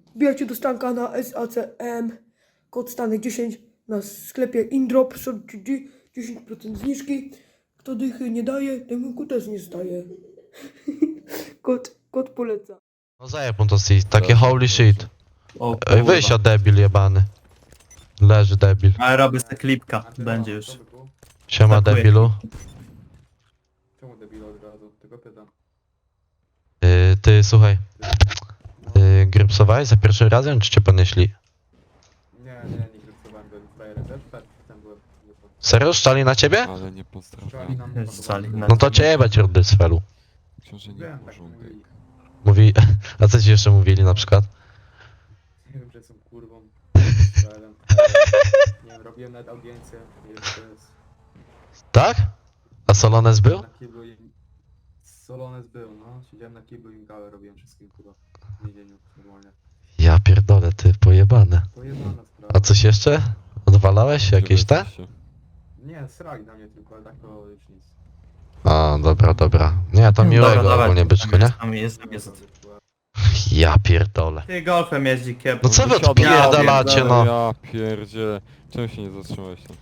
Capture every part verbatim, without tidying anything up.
Wbijajcie do stanka na S A C M. Kod stanek dziesięć na sklepie Indrop. dziesięć procent zniżki. Kto dychy nie daje, temu też nie staje. Kod, kod poleca. No zajeb mu to si, takie Proszę, holy proszę. shit. O Ej, wyjść kurwa. debil jebany. Leży debil. Ale robię sobie klipka, będzie już. Siema Atakuje. debilu. Czemu debil od razu? Tylko pytam. Yy, ty słuchaj. Yy, grypsowałeś za pierwszym razem, czy cię ponieśli? Nie, nie, nie grypsowałem go frajerem. Też przed tym byłem. Serio? Szczali na ciebie? Ale nie Szczali pozdrawiam. nam Jest sali na- No to cię jebać rudy z felu. Książę nie Wiem, tak porządek. mówili. Mówi, a co ci jeszcze mówili na przykład? Nie wiem, że są kurwą. Frajerem, frajerem. Nie wiem, robiłem nawet audiencję. Nie wiem, co to jest. Tak? A Solones był? Na kiblu im... Solones był, no. Siedziałem na kiblu i im gałę robiłem wszystkim kurwa. W więzieniu, normalnie. Ja pierdolę, ty pojebane. To jebana sprawa. A coś jeszcze? Odwalałeś jakieś te? Nie, srali na mnie tylko, ale tak to już nic. A, dobra, dobra. Nie, to miłego Dobra, ogólnie byczku, nie? Tam jest, tam jest. Ja pierdolę. Ty golfem jeździ kiep. No co wy Wysiadam, odpierdalacie, no? Ja pierdzie. Czemu się nie zatrzymałeś tam?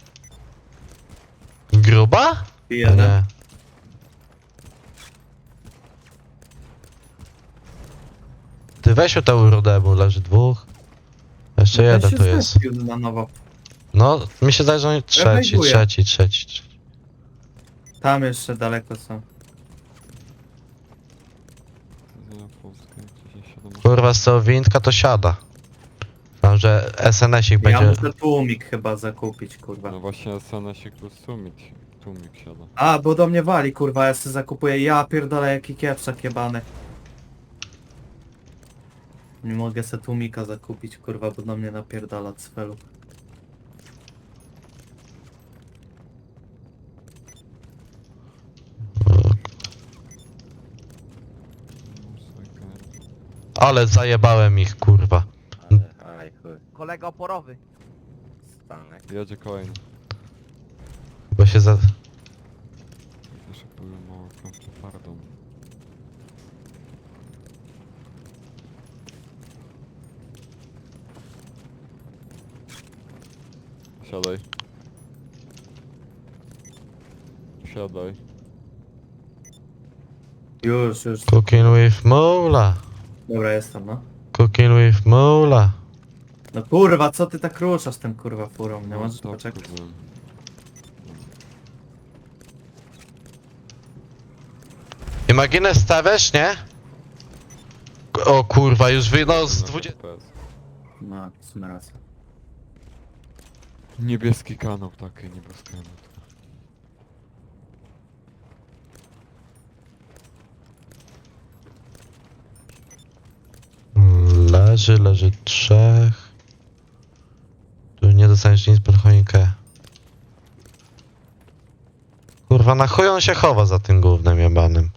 Gruba? Jeden. Nie. Ty weź o tę rudę, bo leży dwóch. Jeszcze No ten jeden się tu jest. zrespił na nowo. No, mi się zdaje, że oni trzeci, Reaguję. trzeci, trzeci. trzeci. Tam jeszcze daleko są. Ja Polskę, gdzieś siadam. Kurwa, z tego windka to siada. Mam, że S N S-ik Ja będzie... muszę tłumik chyba zakupić, kurwa. No właśnie S N S plus tłumik, tłumik siada. A, bo do mnie wali, kurwa, ja sobie zakupuję. Ja pierdolę, jaki kieprzak jebany. Nie mogę se tłumika zakupić, kurwa, bo do mnie napierdala cfelu. Ale zajebałem ich, kurwa. Aj, chuj. Kolega oporowy. Stanek. Jedzie kolejny. Bo się za... Jeszcze powiem mało kropkę twardą. Siadaj. Siadaj. Już, już. Cooking with Mola. Dobra, jestem, no. Cooking with Mola. No kurwa, co ty tak ruszasz tym kurwa furą? Nie No, możesz tak, poczekać? byłem. Imaginę stawiasz, nie? O kurwa, już wy... no z dwudziestu... F P S. No, w sumie racja. Niebieski kanał, takie niebieski kanał. Leży, leży trzech. Tu nie dostaniesz nic pod choinkę. Kurwa, na chuj on się chowa za tym gównem jebanym.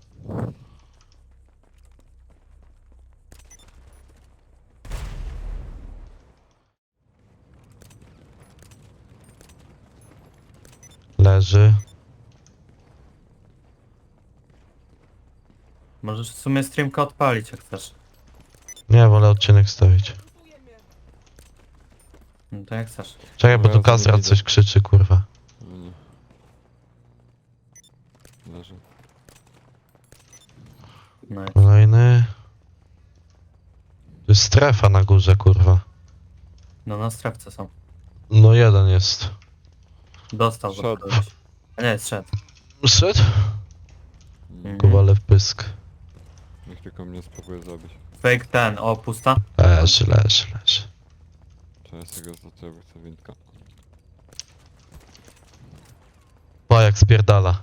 Leży. Możesz w sumie streamka odpalić jak chcesz. Nie, wolę odcinek stawić. No to jak chcesz. Czekaj, bo No ja tu to nie Kasrat widzę. coś krzyczy, kurwa. No nie. Leży. No i- Kolejny. To jest strefa na górze, kurwa. no na strefce są. No jeden jest. Dostał Szedł. go kogoś. A nie, zszedł. Szedł? Mhm. Kowale w pysk. Niech tylko mnie spróbuje zabić. Fake ten, o pusta. Leży, leży, leży. Cześć, tego za ciebie chcę windka. O, jak spierdala.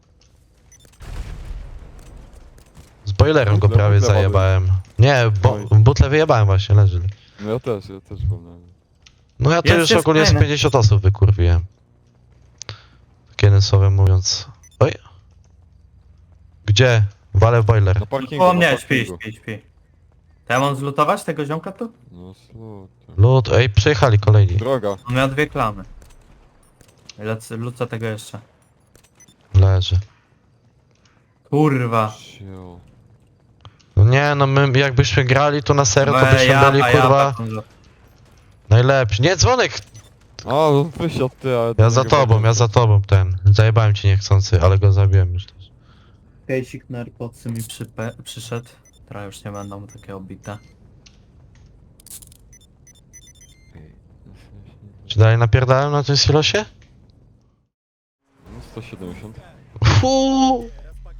Z boilerem go Butle- prawie butle wody. zajebałem. Nie, bo Oj. butlę wyjebałem właśnie, leży. No ja też, ja też wolałem. No ja to Jest, już jest ogólnie z fajne. pięćdziesiąt osób wykurwiłem. Tak jednym słowem mówiąc. Oj. Gdzie? Walę w boiler. Na parkingu, O na mnie, śpi, parkingu. śpi, śpi. To ja mam zlutować tego ziomka tu? No słuchaj. Lud, ej, przyjechali kolejni. Droga. On miał dwie klamy. Lecę, lucę tego jeszcze. Leży. Kurwa. Sio. No nie Nie no, my jakbyśmy grali tu na serio, to No, byśmy ja, byli a ja kurwa taką go- najlepsi. Nie, dzwonek! A, on wysiadł ty, ale... Ja za tobą, ja za tobą ten. Zajebałem cię niechcący, ale go zabiłem już też. Kejsik na AirPodsy mi przype- przyszedł. Teraz już nie będą takie obite. Czy dalej napierdałem na tym silosie? No sto siedemdziesiąt. Fuu.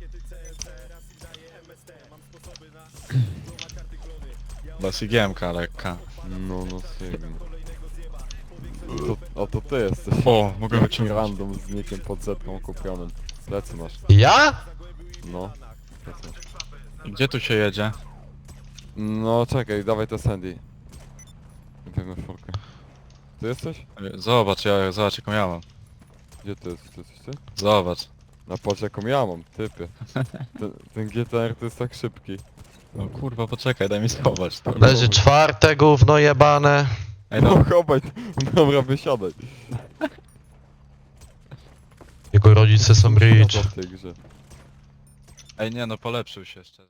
Dosyć giemka lekka. No, no sygnał. To, a to ty jesteś. O, mogę Taki wyciągnąć. random z nickiem pod zetką kupionym. Plecy masz. Ja? No. Plecy masz. Gdzie tu się jedzie? No czekaj, dawaj to Sandy. Wezmę furkę. Ty jesteś? Zobacz, ja, zobacz jaką ja mam. Gdzie ty jesteś? Ty jesteś ty? Zobacz. Na patrz jaką ja mam, typie. Ten, ten G T R to jest tak szybki. No kurwa, poczekaj, daj mi schować to. Leży czwarte gówno jebane. Ej, No no, chobaj, dobra wysiadaj. Jego rodzice są rich. Siada w tej grze. ej nie no, polepszył się jeszcze.